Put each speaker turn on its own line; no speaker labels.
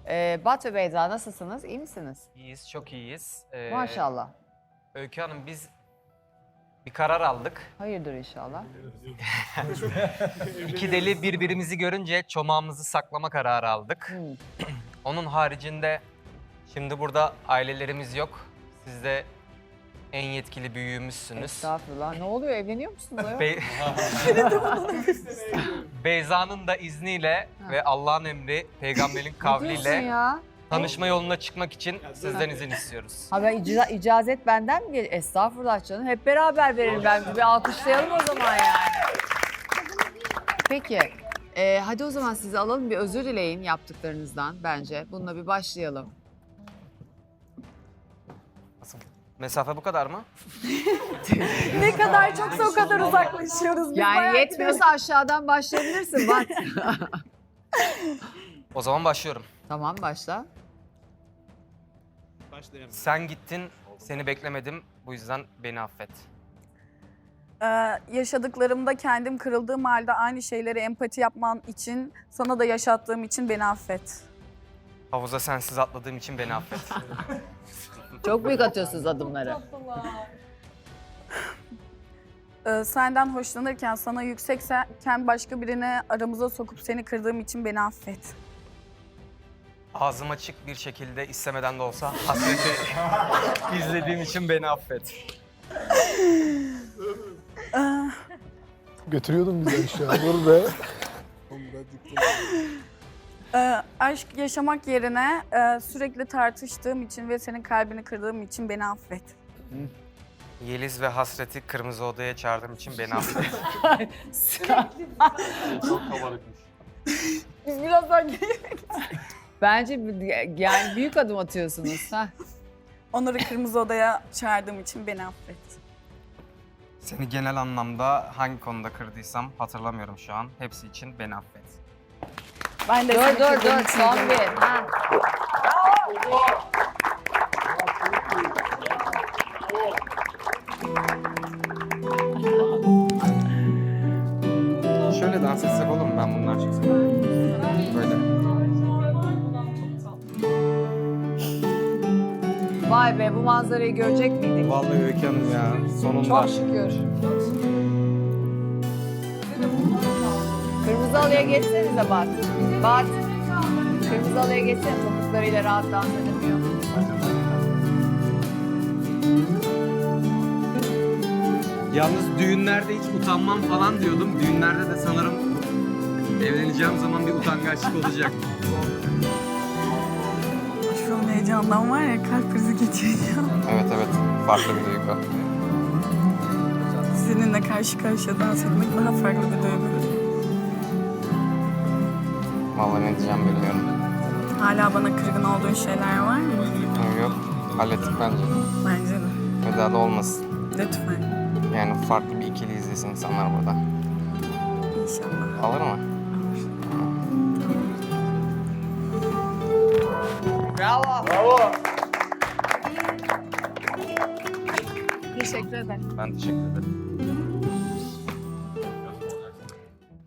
Bat ve Beyza nasılsınız? İyi misiniz?
İyiyiz, çok iyiyiz.
Maşallah.
Öykü Hanım biz bir karar aldık.
Hayırdır inşallah.
İki deli birbirimizi görünce çomağımızı saklama kararı aldık. Onun haricinde şimdi burada ailelerimiz yok. Siz de en yetkili büyüğümüzsünüz.
Estağfurullah. Ne oluyor? Evleniyor musunuz? ayol?
Beyza'nın da izniyle ve Allah'ın emri, peygamberin
Ne diyorsun
kavliyle
ya?
tanışma yoluna çıkmak için sizden izin istiyoruz.
Ha ben icazet benden mi geliyor? Estağfurullah canım. Hep beraber verelim ben. Bir alkışlayalım o zaman yani. Peki. Hadi o zaman sizi alalım. Bir özür dileyin yaptıklarınızdan bence. Bununla bir başlayalım.
Nasıl? Mesafe bu kadar mı?
Ne kadar çoksa o kadar uzaklaşıyoruz. Biz bayağı
Yani yetmiyorsa aşağıdan başlayabilirsin. Bak.
O zaman başlıyorum.
Tamam başla.
Sen gittin, seni beklemedim. Bu yüzden beni affet.
yaşadıklarımda kendim kırıldığım halde aynı şeyleri empati yapman için, sana da yaşattığım için beni affet.
Havuza sensiz atladığım için beni affet.
Çok büyük atıyorsunuz adımları.
Senden hoşlanırken, sana yüksekken başka birine aramıza sokup seni kırdığım için beni affet.
Ağzım açık bir şekilde istemeden de olsa hasreti izlediğim için beni affet.
Götürüyordun bizi aşağı. Dur be.
Aşk yaşamak yerine sürekli tartıştığım için ve senin kalbini kırdığım için beni affet.
Yeliz ve hasreti kırmızı odaya çağırdığım için beni affet.
Biz birazdan
Bence yani büyük adım atıyorsunuz. Ha?
onları kırmızı odaya çağırdığım için beni affet.
Seni genel anlamda hangi konuda kırdıysam hatırlamıyorum şu an. Hepsi için beni affet.
Ben de
Dur
seni
dur
kırdığım
dur
için
son
beni-
bir. Ha.
Şöyle dans etsek olur mu? Ben bundan çıksam. Böyle.
Vay be bu manzarayı görecek miydik?
Vallahi Öykü Hanım ya. Sonunda.
Çok şükür. Kırmızı halıya geçsenize Bat. Bat. Kırmızı halıya geçsene topuklarıyla rahat dans edemiyor.
Yalnız düğünlerde hiç utanmam falan diyordum. Düğünlerde de sanırım evleneceğim zaman bir utangaçlık olacak.
Şu an heyecandan var ya kalp krizi geçireceğim.
Evet evet. Farklı bir duygu.
Seninle karşı karşıya dans etmek daha farklı bir duygu.
Vallahi ne diyeceğim bilmiyorum.
Hala bana kırgın olduğun şeyler var mı?
Yok. Hallettik bence.
Bence de.
Ve daha da olmasın.
Lütfen.
Yani farklı bir ikili izlesin insanlar burada.
İnşallah.
Alır mı?
Teşekkür ederim.
Ben teşekkür ederim.